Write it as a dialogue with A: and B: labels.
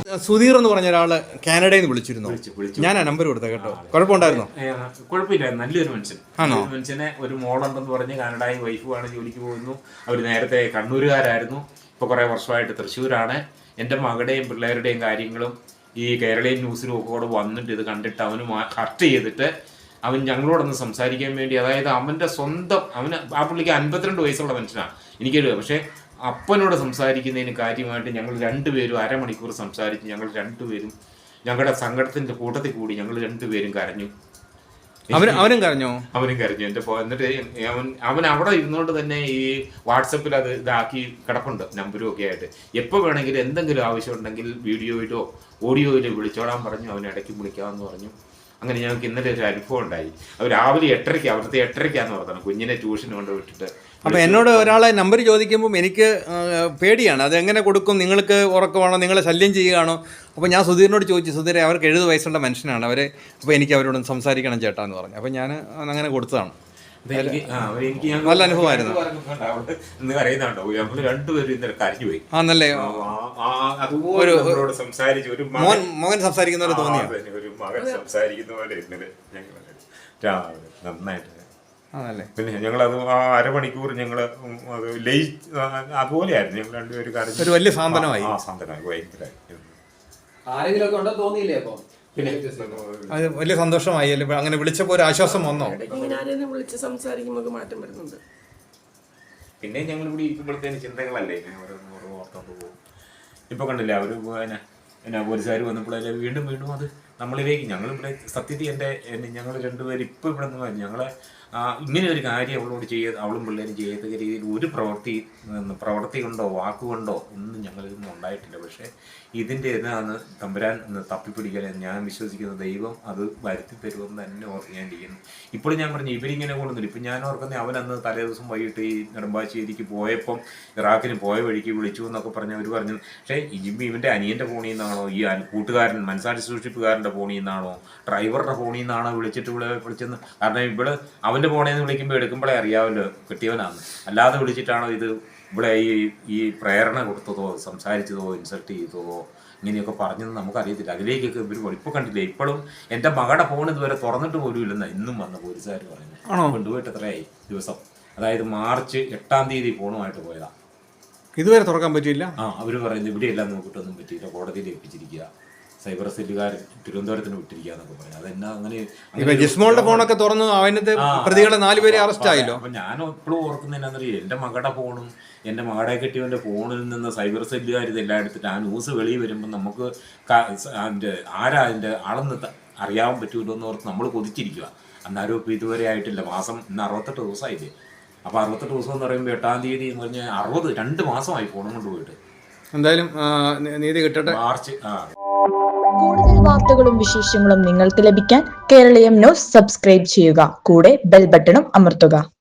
A: സുധീർ എന്ന് പറഞ്ഞ ഒരാള് കാനഡയിൽ നിന്ന് വിളിച്ചിരുന്നു. ഞാൻ ആ നമ്പർ കൊടുത്ത കേട്ടോ. കുഴപ്പമുണ്ടായിരുന്നോ?
B: കുഴപ്പമില്ല, നല്ലൊരു മനുഷ്യൻ. മനുഷ്യനെ ഒരു മോളുണ്ടെന്ന് പറഞ്ഞ് കാനഡയിൽ വൈഫുമാണ്, ജോലിക്ക് പോകുന്നു. അവർ നേരത്തെ കണ്ണൂരുകാരായിരുന്നു, ഇപ്പൊ കുറെ വർഷമായിട്ട് തൃശ്ശൂരാണ്. എൻ്റെ മകളുടെയും പിള്ളേരുടെയും കാര്യങ്ങളും ഈ കേരളീയ ന്യൂസിലും ഒക്കെ കൂടെ വന്നിട്ട് ഇത് കണ്ടിട്ട് അവന് ഹർട്ട് ചെയ്തിട്ട് അവൻ ഞങ്ങളോടൊന്ന് സംസാരിക്കാൻ വേണ്ടി, അതായത് അവൻ്റെ സ്വന്തം ആ പുള്ളിക്ക് 52 വയസ്സുള്ള മനുഷ്യനാണ്, എനിക്കറിയാം. പക്ഷേ അപ്പനോട് സംസാരിക്കുന്നതിന് കാര്യമായിട്ട് ഞങ്ങൾ രണ്ടുപേരും അരമണിക്കൂർ സംസാരിച്ച് ഞങ്ങൾ രണ്ടുപേരും ഞങ്ങളുടെ സങ്കടത്തിന്റെ കൂട്ടത്തിൽ കൂടി ഞങ്ങൾ രണ്ടുപേരും കരഞ്ഞു.
A: അവനും കരഞ്ഞു.
B: എൻ്റെ എന്നിട്ട് അവൻ അവിടെ ഇരുന്നുകൊണ്ട് തന്നെ ഈ വാട്സപ്പിൽ അത് ഇതാക്കി കിടപ്പുണ്ട്, നമ്പരും ഒക്കെ ആയിട്ട്. എപ്പോൾ വേണമെങ്കിലും എന്തെങ്കിലും ആവശ്യമുണ്ടെങ്കിൽ വീഡിയോയിലോ ഓഡിയോയിലോ വിളിച്ചോളാൻ പറഞ്ഞു. അവൻ ഇടയ്ക്ക് വിളിക്കാമെന്ന് പറഞ്ഞു. അങ്ങനെ ഞങ്ങൾക്ക് ഇന്നലെ ഒരു അനുഭവം ഉണ്ടായി. അവർ രാവിലെ 8:30, അവിടുത്തെ 8:30 പറഞ്ഞത്, കുഞ്ഞിനെ ട്യൂഷൻ കൊണ്ട് വിട്ടിട്ട്.
A: അപ്പോൾ എന്നോട് ഒരാളെ നമ്പർ ചോദിക്കുമ്പോൾ എനിക്ക് പേടിയാണ്, അതെങ്ങനെ കൊടുക്കും, നിങ്ങൾക്ക് ഉറക്കമാണോ, നിങ്ങളെ ശല്യം ചെയ്യുകയാണോ? അപ്പോൾ ഞാൻ സുധീറിനോട് ചോദിച്ചു, സുധീരെ അവർക്ക് 70 വയസ്സുള്ള മനുഷ്യനാണ് അവർ, അപ്പോൾ എനിക്ക് അവരോട് സംസാരിക്കണം ചേട്ടാ എന്ന് പറഞ്ഞു. അപ്പോൾ ഞാൻ അങ്ങനെ കൊടുത്തതാണ്. നല്ല അനുഭവമായിരുന്നു.
B: അറിയുന്നുണ്ടോ, നമ്മള് രണ്ടുപേരും ഇന്നലെ കരഞ്ഞുപോയി.
A: ആന്നല്ലേ,
B: ഒരു സംസാരിച്ചു, ഒരു
A: മകൻ സംസാരിക്കുന്ന പോലെ തോന്നിയ,
B: ഒരു മകൻ സംസാരിക്കുന്ന പോലെ ഇന്നലെ നന്നായിട്ട്. പിന്നെ ഞങ്ങളത് ആ അരമണിക്കൂർ ഞങ്ങള് അത് അതുപോലെയായിരുന്നു. ഞങ്ങൾ രണ്ടുപേരും കരഞ്ഞു.
A: ഒരു വലിയ സാന്ത്വനമായി.
B: ഭയങ്കരമായി.
A: അത് വലിയ സന്തോഷമായി അല്ലേ? അങ്ങനെ വിളിച്ചപ്പോൾ ഒരു ആശ്വാസം വന്നോ?
C: വിളിച്ച് സംസാരിക്കുമ്പോൾ മാറ്റം വരുന്നുണ്ട്.
B: പിന്നെ ഞങ്ങൾ ഇവിടെ ഇരിക്കുമ്പോഴത്തേന് ചിന്തകളല്ലേ ഓർത്തോണ്ട് പോകും. ഇപ്പൊ കണ്ടില്ല അവര് പോലീസുകാർ വന്നപ്പോഴല്ലേ വീണ്ടും വീണ്ടും അത് നമ്മളിലേക്ക് ഞങ്ങളിവിടെ സത്യത്തിൽ ഞങ്ങൾ രണ്ടുപേരും ഇപ്പം ഇവിടെ നിന്ന് ഞങ്ങളെ ഇങ്ങനെ ഒരു കാര്യം അവളോട് അവളും പിള്ളേരും ചെയ്യത്തക്ക രീതിയിൽ ഒരു പ്രവൃത്തി കൊണ്ടോ വാക്കുകൊണ്ടോ ഒന്നും ഞങ്ങളിതൊന്നും ഉണ്ടായിട്ടില്ല. പക്ഷേ ഇതിൻ്റെ എന്നാണ് തമ്പുരാൻ തപ്പിപ്പിടിക്കാൻ ഞാൻ വിശ്വസിക്കുന്ന ദൈവം അത് വരുത്തി തരുമെന്ന് തന്നെ ഓർക്കാണ്ടിരിക്കുന്നു. ഇപ്പോഴും ഞാൻ പറഞ്ഞു ഇവരിങ്ങനെ കൊണ്ടുവന്നില്ല. ഇപ്പം ഞാൻ ഓർക്കുന്നത് അവനന്ന് തലേ ദിവസം വൈകിട്ട് ഈ നെടുമ്പാശ്ശേരിക്ക് പോയപ്പം ഇറാഖിന് പോയ വഴിക്ക് വിളിച്ചു എന്നൊക്കെ പറഞ്ഞ് അവർ പറഞ്ഞു. പക്ഷേ ഇവൻ്റെ അനിയൻ്റെ ഫോണിൽ നിന്നാണോ, ഈ കൂട്ടുകാരൻ മനസാക്ഷി സൂക്ഷിപ്പുകാരൻ്റെ ഫോണിൽ നിന്നാണോ, ഡ്രൈവറുടെ ഫോണിൽ നിന്നാണോ വിളിച്ചെന്ന്. കാരണം ഇവിടെ അവൻ്റെ ഫോണിൽ നിന്ന് വിളിക്കുമ്പോൾ എടുക്കുമ്പോഴേ അറിയാമല്ലോ കിട്ടിയവനാണ്. അല്ലാതെ വിളിച്ചിട്ടാണോ ഇത് ഇവിടെ ഈ പ്രേരണ കൊടുത്തതോ സംസാരിച്ചതോ ഇൻസൾട്ട് ചെയ്തതോ ഇങ്ങനെയൊക്കെ പറഞ്ഞത് നമുക്കറിയത്തില്ല. അതിലേക്കൊക്കെ ഇവർ ഇപ്പോൾ കണ്ടില്ലേ. ഇപ്പോഴും എൻ്റെ മകളുടെ ഫോൺ ഇതുവരെ തുറന്നിട്ട് പോലും ഇല്ലെന്നാണ് ഇന്നും വന്ന പോലീസുകാർ പറയുന്നത്. കൊണ്ടുപോയിട്ട് എത്രയായി ദിവസം, അതായത് മാർച്ച് 8-ാം തീയതി ഫോണുമായിട്ട് പോയതാ.
A: ഇതുവരെ തുറക്കാൻ പറ്റിയില്ല.
B: അവർ പറയുന്നത് ഇവിടെയെല്ലാം നോക്കിയിട്ടൊന്നും പറ്റിയില്ല, കോടതിയിൽ ഏൽപ്പിച്ചിരിക്കുക, സൈബർ സെല്ലുകാർ തിരുവനന്തപുരത്തിന് വിട്ടിരിക്കുക എന്നൊക്കെ പറഞ്ഞു. അതെന്നാ അങ്ങനെ
A: ജിസ്മോളുടെ ഫോണൊക്കെ തുറന്നു അതിനകത്ത് പ്രതികളെ 4 പേരെ അറസ്റ്റ് ആയല്ലോ.
B: അപ്പൊ ഞാൻ എപ്പോഴും ഓർക്കുന്നതിനറിയാം, എൻ്റെ മകളുടെ ഫോണും എൻ്റെ മകളെ കെട്ടിയവൻ്റെ ഫോണിൽ നിന്ന് സൈബർ സെല്ലുകാർ ഇതെല്ലാം എടുത്തിട്ട് ആ ന്യൂസ് വെളിയിൽ വരുമ്പോൾ നമുക്ക് ആരാ അതിൻ്റെ ആളെന്ന് അറിയാൻ പറ്റുമല്ലോ എന്ന് ഓർത്ത് നമ്മൾ കൊതിച്ചിരിക്കുക. അന്നാരും ഇപ്പം ഇതുവരെ ആയിട്ടില്ല. മാസം ഇന്ന് 68 ദിവസമായില്ലേ. അപ്പോൾ 68 ദിവസം എന്ന് പറയുമ്പോൾ 8-ാം തീയതി എന്ന് പറഞ്ഞാൽ 2 മാസമായി ഫോണും കൊണ്ടുപോയിട്ട്.
A: എന്തായാലും നീതി കിട്ടട്ടെ.
B: മാർച്ച്
D: കൂടുതൽ വാർത്തകളും വിശേഷങ്ങളും നിങ്ങൾക്ക് ലഭിക്കാൻ കേരളീയം ന്യൂസ് സബ്സ്ക്രൈബ് ചെയ്യുക. കൂടെ ബെൽ ബട്ടണും അമർത്തുക.